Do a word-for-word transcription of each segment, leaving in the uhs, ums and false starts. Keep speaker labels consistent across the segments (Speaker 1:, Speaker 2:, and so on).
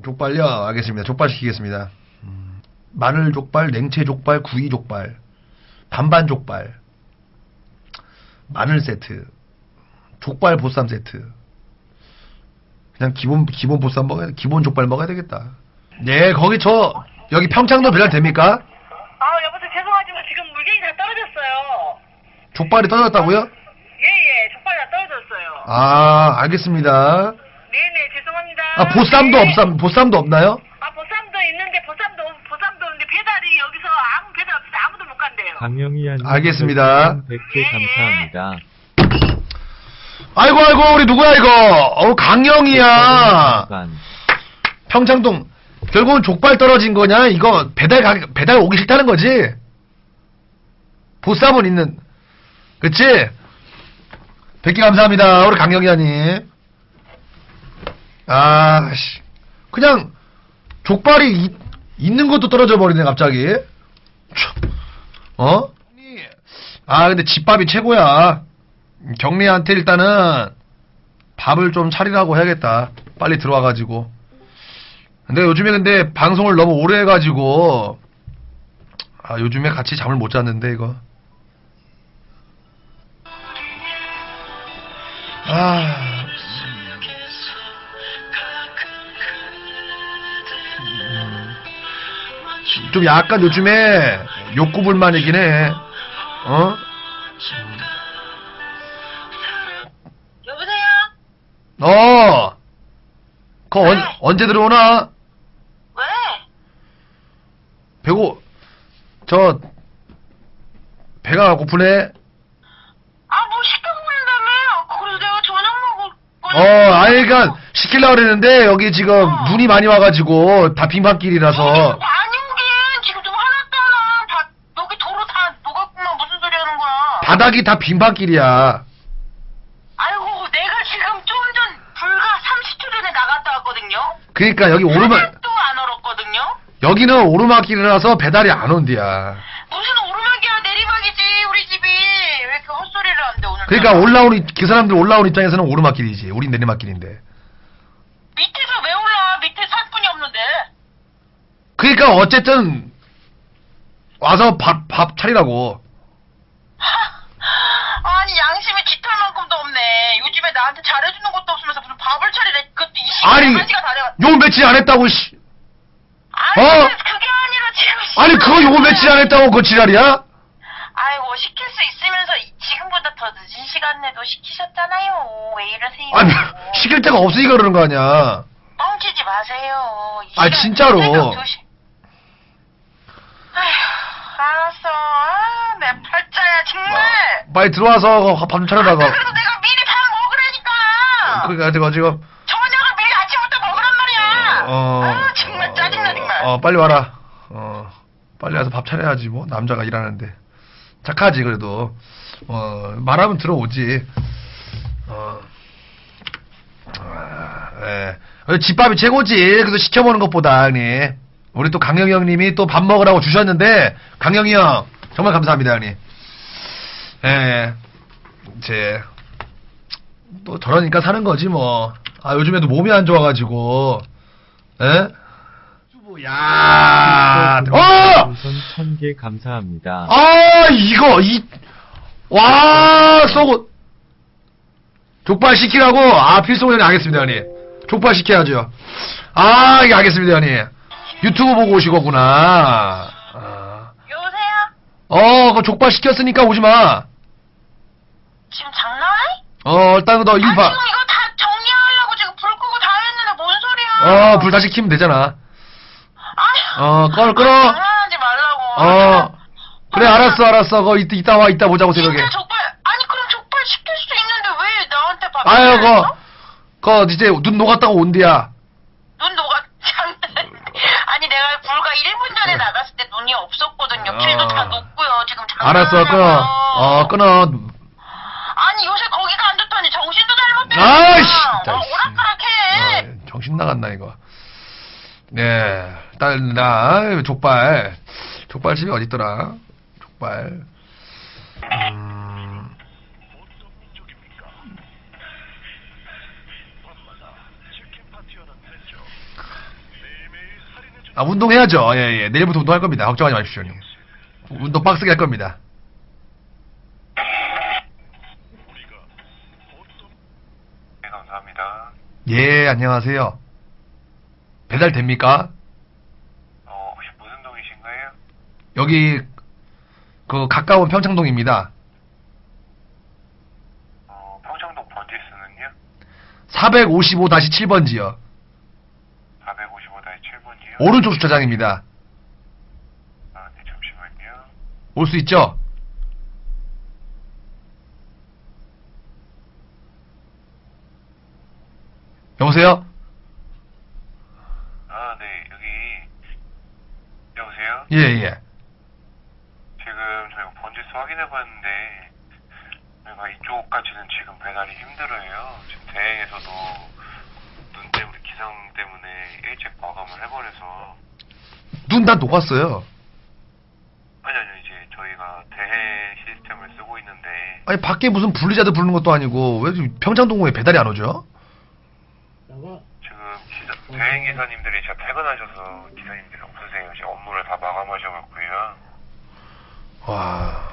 Speaker 1: 족발요? 알겠습니다. 족발 시키겠습니다. 음, 마늘 족발, 냉채 족발, 구이 족발, 반반 족발, 마늘 세트, 족발 보쌈 세트. 그냥 기본 기본 보쌈 먹어야 기본 족발 먹어야 되겠다. 네, 거기 저 여기 평창도 배달 됩니까?
Speaker 2: 아, 여보세요. 죄송하지만 지금 물건이 다 떨어졌어요.
Speaker 1: 족발이 떨어졌다고요?
Speaker 2: 예예, 족발이 다 떨어졌어요.
Speaker 1: 아, 알겠습니다.
Speaker 2: 네네, 죄송합니다.
Speaker 1: 아, 보쌈도
Speaker 2: 네.
Speaker 1: 없삼 보쌈도 없나요?
Speaker 2: 아, 보쌈도 있는데 보쌈도 보쌈도 없는데 배달이 여기서 아무 배달 없어서 아무도 못 간대요.
Speaker 3: 강영희님
Speaker 1: 알겠습니다.
Speaker 3: 백 개 감사합니다.
Speaker 1: 아이고 아이고 우리 누구야 이거? 어 강영이야. 평창동 결국은 족발 떨어진 거냐? 이거 배달 가 배달 오기 싫다는 거지? 보쌈은 있는. 그치? 백 개 감사합니다. 우리 강영이야님. 아씨 그냥 족발이 이, 있는 것도 떨어져 버리네 갑자기. 어? 아 근데 집밥이 최고야. 경리한테 일단은 밥을 좀 차리라고 해야겠다. 빨리 들어와가지고. 근데 요즘에 근데 방송을 너무 오래 해가지고 아 요즘에 같이 잠을 못 잤는데 이거. 아. 좀 약간 요즘에 욕구불만이긴 해. 어?
Speaker 2: 여보세요?
Speaker 1: 어. 그 언,
Speaker 2: 네.
Speaker 1: 언제 들어오나?
Speaker 2: 왜?
Speaker 1: 배고 저 배가 고프네.
Speaker 2: 아, 뭐 시켜 먹는다며? 그래서 내가 저녁 먹을 거니까.
Speaker 1: 어, 아이 그니까 시키려고 그랬는데 여기 지금
Speaker 2: 어.
Speaker 1: 눈이 많이 와가지고 다 빙판길이라서.
Speaker 2: 아니 오긴 지금 좀 화났잖아. 바, 여기 도로 다 녹았구만. 무슨 소리 하는 거야?
Speaker 1: 바닥이 다 빙판길이야.
Speaker 2: 아이고, 내가 지금 좀 전 불과 삼십 초 전에 나갔다 왔거든요.
Speaker 1: 그니까 여기 오르막
Speaker 2: 하나도 안 얼었거든요.
Speaker 1: 여기는 오르막길이라서 배달이 안 온디야.
Speaker 2: 무슨 오르막이야, 내리막이지 우리 집이. 왜 이렇게 헛소리를 한대 오늘?
Speaker 1: 그러니까 올라온 그 사람들 올라온 입장에서는 오르막길이지. 우린 내리막길인데.
Speaker 2: 밑에서 왜 올라? 밑에 살 뿐이 없는데.
Speaker 1: 그러니까 어쨌든 와서 밥 밥 차리라고.
Speaker 2: 아니 양심이 깃털만큼도 없네. 요즘에 나한테 잘해주는 것도 없으면서 무슨 밥을 차리래. 그것도 이
Speaker 1: 아니
Speaker 2: 시간에 한 시간 다 돼가.
Speaker 1: 요 며칠 안 했다고 씨.
Speaker 2: 아니
Speaker 1: 어?
Speaker 2: 그게 아니라 지금.
Speaker 1: 아니 그거 요 며칠 안 했다고 그 지랄이야?
Speaker 2: 아이고 시킬 수 있으면서 이- 지금보다 더 늦은 시간에도 시키셨잖아요. 왜 이러세요?
Speaker 1: 아니 시킬 데가 없으니까 그러는 거 아니야.
Speaker 2: 뻥치지 마세요. 이
Speaker 1: 아,
Speaker 2: 시간
Speaker 1: 진짜로.
Speaker 2: 새벽 두 시. 아휴, 알았어. 아, 내 팔자야 정말.
Speaker 1: 빨리 들어와서 밥 좀 차려다가.
Speaker 2: 그래도 내가 미리 밥 먹으라니까.
Speaker 1: 그러니까 내가 지금
Speaker 2: 저녁을 미리 아침부터 먹으란 말이야.
Speaker 1: 어.
Speaker 2: 아, 정말 짜증나 정말.
Speaker 1: 어 빨리 와라. 어 빨리 와서 밥 차려야지 뭐 남자가 일하는데. 착하지 그래도. 어 말하면 들어오지. 어. 아, 예. 집밥이 최고지. 그래서 시켜보는 것보다 형님. 우리 또 강영희 형님이 또 밥 먹으라고 주셨는데 강영희 형 정말 감사합니다 형님. 예. 제 또 저러니까 사는 거지 뭐. 아 요즘에도 몸이 안 좋아가지고. 예? 야. 어!
Speaker 3: 우선 천 개 감사합니다.
Speaker 1: 아 이거 이 와 쏘고 족발 시키라고. 아 필송 형님 알겠습니다 형님. 족발 시켜야죠. 아 이게 알겠습니다 형님. 유튜브 보고 오실 거구나. 아.
Speaker 2: 여보세요?
Speaker 1: 어, 그 족발 시켰으니까 오지 마.
Speaker 2: 지금 장난해?
Speaker 1: 어, 일단 너
Speaker 2: 아,
Speaker 1: 일봐.
Speaker 2: 지금 이거 다 정리하려고 지금 불 끄고 다 했는데 뭔 소리야?
Speaker 1: 어, 불 다시 켜면 되잖아.
Speaker 2: 아휴.
Speaker 1: 어, 꺼, 끊어.
Speaker 2: 아, 장난하지 말라고.
Speaker 1: 어, 그래, 알았어, 알았어. 거 이따, 이따 와, 이따 보자고, 새벽에.
Speaker 2: 진짜 족발, 아니 그럼 족발 시킬 수도 있는데 왜 나한테 밥
Speaker 1: 아유,
Speaker 2: 시켰어?
Speaker 1: 거, 거, 이제 눈 녹았다고 온디야.
Speaker 2: 눈 녹아. 아니 내가 불과 일 분 전에 나갔을 때 눈이 없었거든요. 길도 다 녹고요. 지금
Speaker 1: 알았어,
Speaker 2: 장난하냐고.
Speaker 1: 끊어. 어, 끊어.
Speaker 2: 아니 요새 거기가 안 좋다니 정신도 잘못됐어.
Speaker 1: 아이씨, 진짜.
Speaker 2: 어, 오락가락해.
Speaker 1: 어, 정신 나갔나, 이거. 네, 딸, 나, 족발. 족발집이 어딨더라? 족발. 음. 아, 운동해야죠. 예, 예. 내일부터 운동할 겁니다. 걱정하지 마십시오, 형님. 운동 빡세게 할 겁니다.
Speaker 4: 네, 감사합니다.
Speaker 1: 예, 안녕하세요. 배달 됩니까?
Speaker 4: 어, 혹시 무슨 동이신가요?
Speaker 1: 여기, 그, 가까운 평창동입니다.
Speaker 4: 어, 평창동 번지수는요?
Speaker 1: 사백오십오 칠 번지요.
Speaker 4: 사백오십오 칠 번이요?
Speaker 1: 오른쪽 주차장입니다.
Speaker 4: 아, 네, 잠시만요.
Speaker 1: 올 수 있죠? 여보세요?
Speaker 4: 아, 네, 여기, 여보세요?
Speaker 1: 예, 예.
Speaker 4: 지금 저희가 번지수 확인해봤는데, 저희가 이쪽까지는 지금 배달이 힘들어요. 지금 대행에서도 눈 때문에, 기상 때문에 일찍 마감을 해버려서.
Speaker 1: 눈 다 녹았어요.
Speaker 4: 아니, 아니요, 이제 저희가 대행 시스템을 쓰고 있는데,
Speaker 1: 아니, 밖에 무슨 분리자들 부르는 것도 아니고, 왜 지금 평창동에 배달이 안 오죠?
Speaker 4: 지금 기사, 대행 기사님들이 진짜 퇴근하셔서 기사님들이 없으세요. 지금 업무를 다 마감하셔갖고요.
Speaker 1: 와.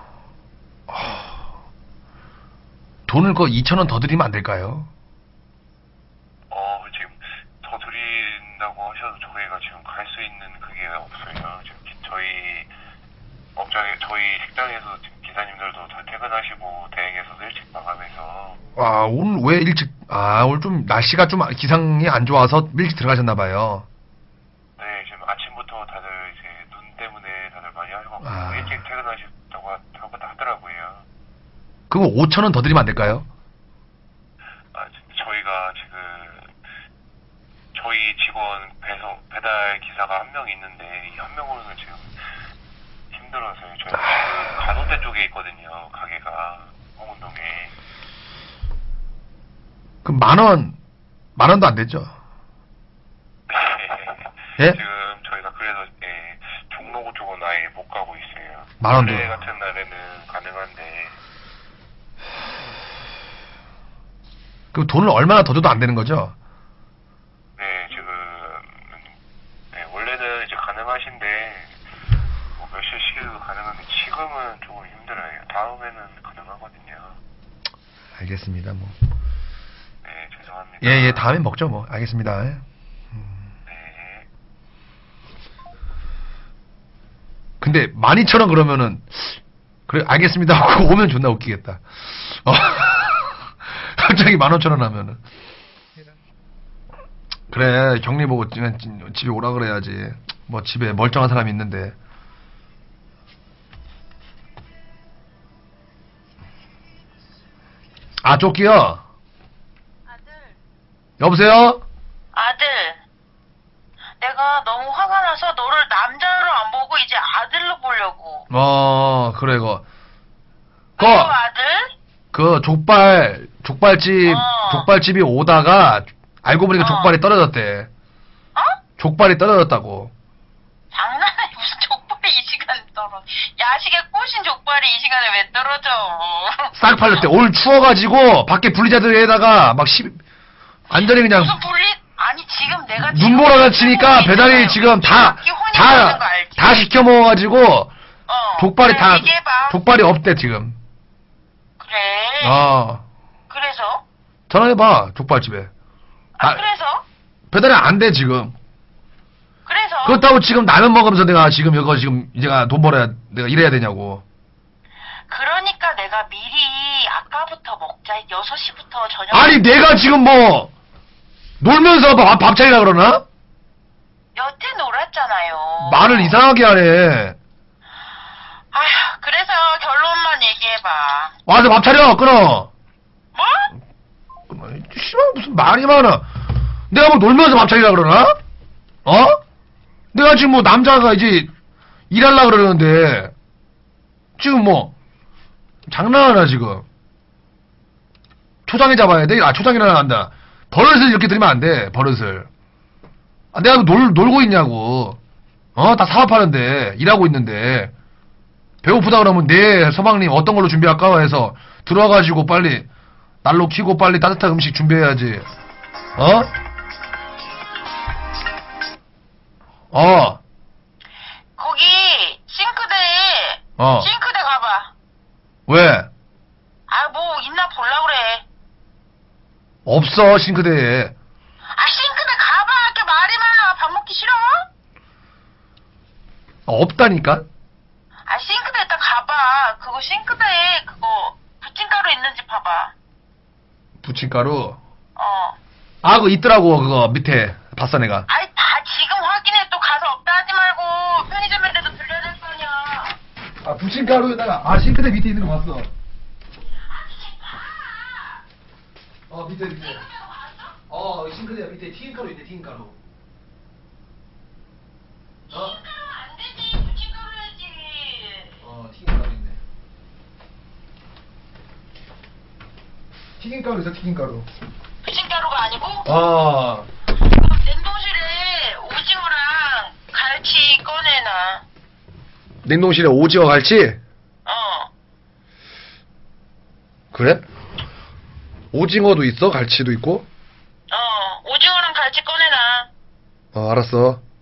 Speaker 1: 아. 돈을 그 이천 원 더 드리면 안 될까요?
Speaker 4: 어, 지금 더 드린다고 하셔도 저희가 지금 갈 수 있는 그게 없어요. 지금 기- 저희 업장에, 저희 식당에서 지금 기사님들도 다 퇴근하시고 대행에서도 일찍 마감해서.
Speaker 1: 아, 오늘 왜 일찍, 아, 오늘 좀 날씨가 좀 기상이 안 좋아서 일찍 들어가셨나봐요.
Speaker 4: 네, 지금 아침부터 다들 이제 눈 때문에 다들 많이 하셔갖고
Speaker 1: 아.
Speaker 4: 일찍 퇴근하셨다고 하- 하고 하더라고요.
Speaker 1: 그럼 오천 원 더 드리면 안 될까요?
Speaker 4: 아, 지- 저희가 지금 저희 직원 배송 배달 기사가 한 명 있는데 이 한 명으로는 지금 힘들어서요. 저희 지금 간호대 쪽에 있거든요. 가게가 홍은동에.
Speaker 1: 그럼 만 원, 만 원도 안 되죠? 예?
Speaker 4: 지금 저희가 그래서 예, 종로구 쪽은 아예 못 가고 있어요.
Speaker 1: 만 원도.
Speaker 4: 원래 같은 날에는 가능한데.
Speaker 1: 그럼 돈을 얼마나 더 줘도 안 되는 거죠?
Speaker 4: 네, 지금 네, 원래는 이제 가능하신데 뭐 몇 시씩도 가능한데 지금은 조금 힘들어요. 다음에는 가능하거든요.
Speaker 1: 알겠습니다, 뭐.
Speaker 4: 네, 죄송합니다.
Speaker 1: 예, 예, 다음에 먹죠, 뭐. 알겠습니다. 예.
Speaker 4: 네.
Speaker 1: 근데 만 이천 원 그러면은 그래 알겠습니다 하고 오면 존나 웃기겠다. 어. 갑자기 만 오천 원 하면은 그래 격리 보고 지- 지- 집에 오라 그래야지. 뭐 집에 멀쩡한 사람이 있는데. 아 쪼끼요.
Speaker 2: 아들,
Speaker 1: 여보세요.
Speaker 2: 아들. 내가 너무 화가 나서 너를 남자로 안 보고 이제 아들로 보려고.
Speaker 1: 어 그래 그. 그,
Speaker 2: 그리고 아들?
Speaker 1: 그 족발 족발집
Speaker 2: 어.
Speaker 1: 족발집이 오다가 알고 보니까
Speaker 2: 어.
Speaker 1: 족발이 떨어졌대.
Speaker 2: 어?
Speaker 1: 족발이 떨어졌다고.
Speaker 2: 장난해. 무슨 족발이 이 시간에 떨어. 야식에 꽂힌 족발이 이 시간에 왜 떨어져.
Speaker 1: 싹 팔렸대. 오늘 추워가지고 밖에 분리자들에다가 막 시, 완전히 그냥
Speaker 2: 무슨 분리? 아니 지금 내가 지금
Speaker 1: 눈보라가 치니까
Speaker 2: 혼이
Speaker 1: 배달이
Speaker 2: 있잖아요.
Speaker 1: 지금 다
Speaker 2: 이렇게 혼이
Speaker 1: 다
Speaker 2: 나는 거 알지?
Speaker 1: 다 시켜 먹어가지고
Speaker 2: 어,
Speaker 1: 족발이
Speaker 2: 그래,
Speaker 1: 다
Speaker 2: 얘기해봐.
Speaker 1: 족발이 없대 지금.
Speaker 2: 그래.
Speaker 1: 어
Speaker 2: 그래서?
Speaker 1: 전화해봐 족발집에.
Speaker 2: 아,
Speaker 1: 아,
Speaker 2: 그래서?
Speaker 1: 배달이 안 돼 지금.
Speaker 2: 그래서?
Speaker 1: 그렇다고 지금 라면 먹으면서 내가 지금 이거 지금 내가 돈 벌어야 내가 일해야 되냐고.
Speaker 2: 그러니까 내가 미리 아까부터 먹자. 여섯 시부터 저녁.
Speaker 1: 아니 내가 지금 뭐 놀면서 밥, 밥 차리라 그러나?
Speaker 2: 여태 놀았잖아요.
Speaker 1: 말을 이상하게 하네.
Speaker 2: 아휴, 그래서 결론만 얘기해봐.
Speaker 1: 와서 밥 차려 끊어.
Speaker 2: 뭐?
Speaker 1: 끊어. 씨발 무슨 말이 많아. 내가 뭐 놀면서 밥 차리라 그러나? 어? 내가 지금 뭐 남자가 이제 일하려 그러는데 지금 뭐 장난하나 지금. 초장에 잡아야 돼? 아 초장이나 난다. 버릇을 이렇게 들이면 안 돼. 버릇을. 아, 내가 놀, 놀고 있냐고. 어? 다 사업하는데 일하고 있는데 배고프다 그러면 네 서방님 어떤 걸로 준비할까 해서 들어와가지고 빨리 난로 켜고 빨리 따뜻한 음식 준비해야지. 어? 어,
Speaker 2: 거기 싱크대에
Speaker 1: 어.
Speaker 2: 싱크대 가봐.
Speaker 1: 왜?
Speaker 2: 아 뭐 있나 볼라 그래.
Speaker 1: 없어, 싱크대에.
Speaker 2: 아 싱크대 가봐. 이렇게 말이 많아. 밥 먹기 싫어?
Speaker 1: 없다니까?
Speaker 2: 아 싱크대 일단 가봐. 그거 싱크대에 그거 부침가루 있는지 봐봐.
Speaker 1: 부침가루.
Speaker 2: 어.
Speaker 1: 아, 그거 있더라고, 그거, 밑에. 봤어, 내가.
Speaker 2: 아이 다 지금 확인해. 또 가서 없다 하지 말고 편의점에라도 들려야 될 거 아니야.
Speaker 1: 아, 부침가루에다가, 아, 싱크대 밑에 있는 거 봤어. 어, 밑에, 밑에. 어, 싱크대 밑에 튀김가루 있네, 튀김가루. 어?
Speaker 2: 튀김가루 안 되지. 부침가루 해야지.
Speaker 1: 어, 튀김가루 있네. 튀김가루 있어, 튀김가루.
Speaker 2: 부침가루가 아니고
Speaker 1: 어.
Speaker 2: 냉동실에 오징어랑 갈치 꺼내놔.
Speaker 1: 냉동실에 오징어 갈치?
Speaker 2: 어.
Speaker 1: 그래? 오징어도 있어? 갈치도 있고?
Speaker 2: 어. 오징어랑 갈치 꺼내놔.
Speaker 1: 어, 알았어.